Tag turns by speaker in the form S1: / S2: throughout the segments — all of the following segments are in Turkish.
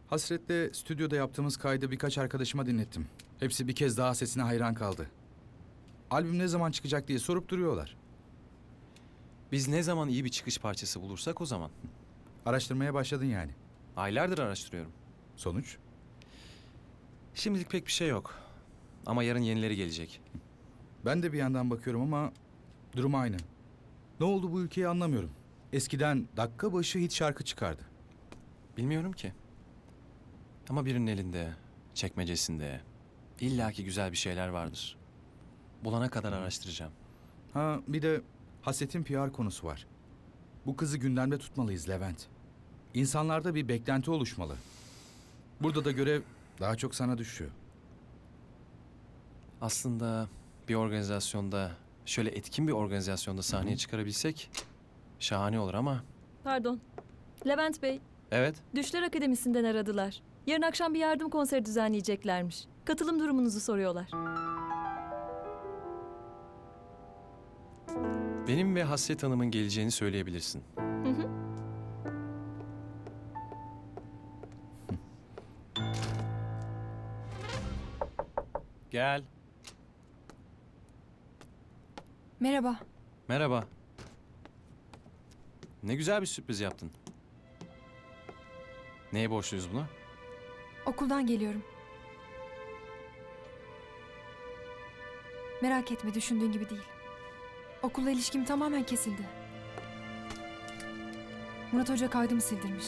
S1: Hasret'le stüdyoda yaptığımız kaydı birkaç arkadaşıma dinlettim. Hepsi bir kez daha sesine hayran kaldı. Albüm ne zaman çıkacak diye sorup duruyorlar.
S2: Biz ne zaman iyi bir çıkış parçası bulursak o zaman.
S1: Araştırmaya başladın yani.
S2: Aylardır araştırıyorum.
S1: Sonuç?
S2: Şimdilik pek bir şey yok. Ama yarın yenileri gelecek.
S1: Ben de bir yandan bakıyorum ama durum aynı. Ne oldu bu ülkeye anlamıyorum. Eskiden dakika başı hit şarkı çıkardı.
S2: Bilmiyorum ki. Ama birinin elinde, çekmecesinde illaki güzel bir şeyler vardır. Bulana kadar araştıracağım.
S1: Ha bir de Hasret'in PR konusu var. Bu kızı gündemde tutmalıyız Levent. İnsanlarda bir beklenti oluşmalı. Burada da görev daha çok sana düşüyor.
S2: Aslında bir organizasyonda, şöyle etkin bir organizasyonda sahneye çıkarabilsek şahane olur ama...
S3: Pardon. Levent Bey,
S2: Evet,
S3: Düşler Akademisi'nden aradılar. Yarın akşam bir yardım konseri düzenleyeceklermiş. Katılım durumunuzu soruyorlar.
S2: benim ve Hasret Hanım'ın geleceğini söyleyebilirsin.
S3: Hı hı.
S2: Gel.
S4: Merhaba.
S2: Merhaba. Ne güzel bir sürpriz yaptın. Neye borçluyuz buna?
S4: Okuldan geliyorum. Merak etme, düşündüğün gibi değil. Okulla ilişkim tamamen kesildi. Murat Hoca kaydımı sildirmiş.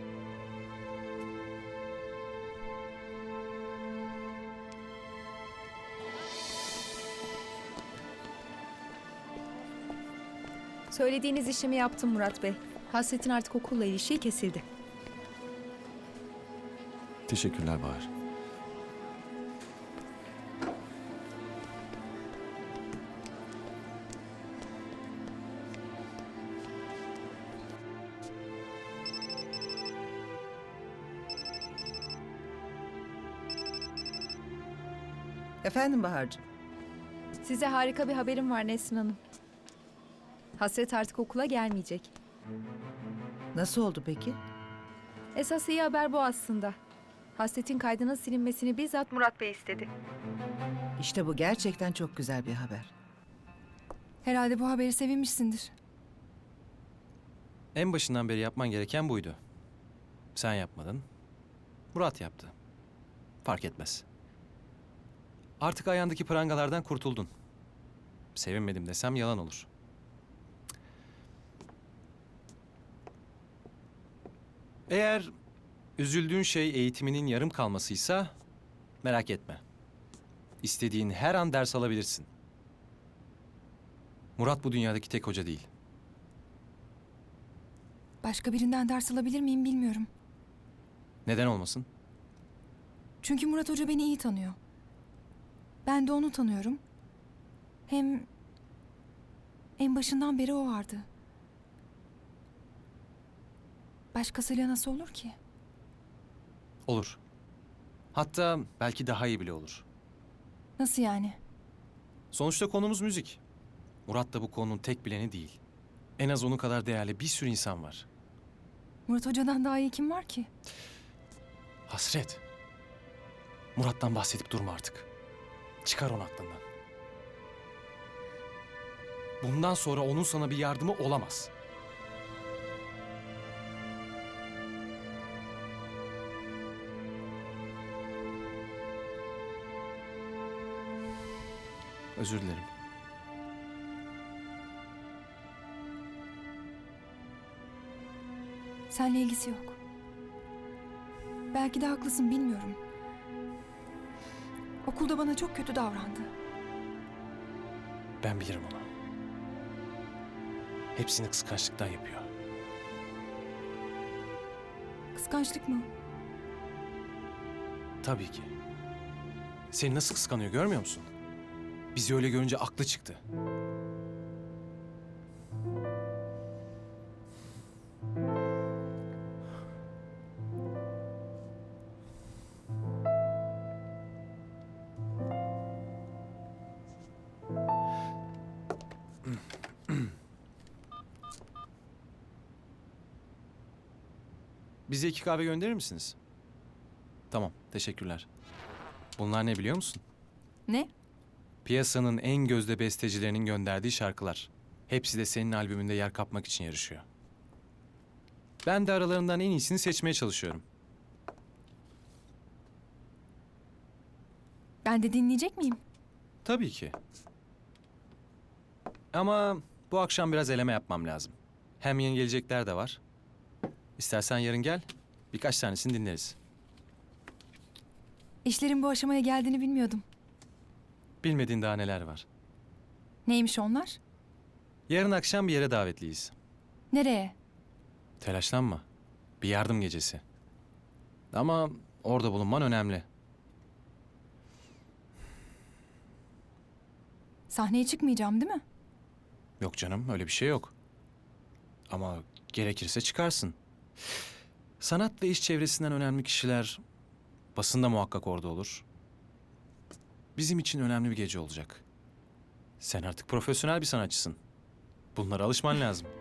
S5: Söylediğiniz işlemi yaptım Murat Bey. Hasret'in artık okulla ilişiği kesildi.
S2: Teşekkürler Bahar.
S6: Efendim Bahar'cığım.
S5: Size harika bir haberim var Nesrin Hanım. Hasret artık okula gelmeyecek.
S6: Nasıl oldu peki?
S5: Esas iyi haber bu aslında. Hasret'in kaydının silinmesini bizzat Murat Bey istedi.
S6: İşte bu gerçekten çok güzel bir haber.
S4: Herhalde bu haberi sevinmişsindir.
S2: En başından beri yapman gereken buydu. Sen yapmadın. Murat yaptı. Fark etmez. Artık ayağındaki prangalardan kurtuldun. Sevinmedim desem yalan olur. Eğer üzüldüğün şey eğitiminin yarım kalmasıysa merak etme. İstediğin her an ders alabilirsin. Murat bu dünyadaki tek hoca değil.
S4: Başka birinden ders alabilir miyim bilmiyorum.
S2: Neden olmasın?
S4: Çünkü Murat Hoca beni iyi tanıyor. Ben de onu tanıyorum. Hem en başından beri o vardı. Başkasıyla nasıl olur ki?
S2: Olur. Hatta belki daha iyi bile olur.
S4: Nasıl yani?
S2: Sonuçta konumuz müzik. Murat da bu konunun tek bileni değil. En az onun kadar değerli bir sürü insan var.
S4: Murat Hoca'dan daha iyi kim var ki?
S2: Hasret. Murat'tan bahsedip durma artık. Çıkar onu aklından. Bundan sonra onun sana bir yardımı olamaz. Özür dilerim.
S4: Seninle ilgisi yok. Belki de haklısın, bilmiyorum. Okulda bana çok kötü davrandı.
S2: Ben bilirim onu. Hepsini kıskançlıktan yapıyor.
S4: Kıskançlık mı?
S2: Tabii ki. Seni nasıl kıskanıyor görmüyor musun? Bizi öyle görünce aklı çıktı. Bize 2 kahve gönderir misiniz? Tamam, teşekkürler. Bunlar ne biliyor musun?
S4: Ne?
S2: Piyasanın en gözde bestecilerinin gönderdiği şarkılar. Hepsi de senin albümünde yer kapmak için yarışıyor. Ben de aralarından en iyisini seçmeye çalışıyorum.
S4: Ben de dinleyecek miyim?
S2: Tabii ki. Ama bu akşam biraz eleme yapmam lazım. Hem yeni gelecekler de var. İstersen yarın gel, birkaç tanesini dinleriz.
S4: İşlerin bu aşamaya geldiğini bilmiyordum.
S2: Bilmediğin daha neler var.
S4: Neymiş onlar?
S2: Yarın akşam bir yere davetliyiz.
S4: Nereye?
S2: Telaşlanma. Bir yardım gecesi. Ama orada bulunman önemli.
S4: Sahneye çıkmayacağım değil mi?
S2: Yok canım, öyle bir şey yok. Ama gerekirse çıkarsın. Sanat ve iş çevresinden önemli kişiler basında muhakkak orada olur. Bizim için önemli bir gece olacak. Sen artık profesyonel bir sanatçısın. Bunlara alışman lazım.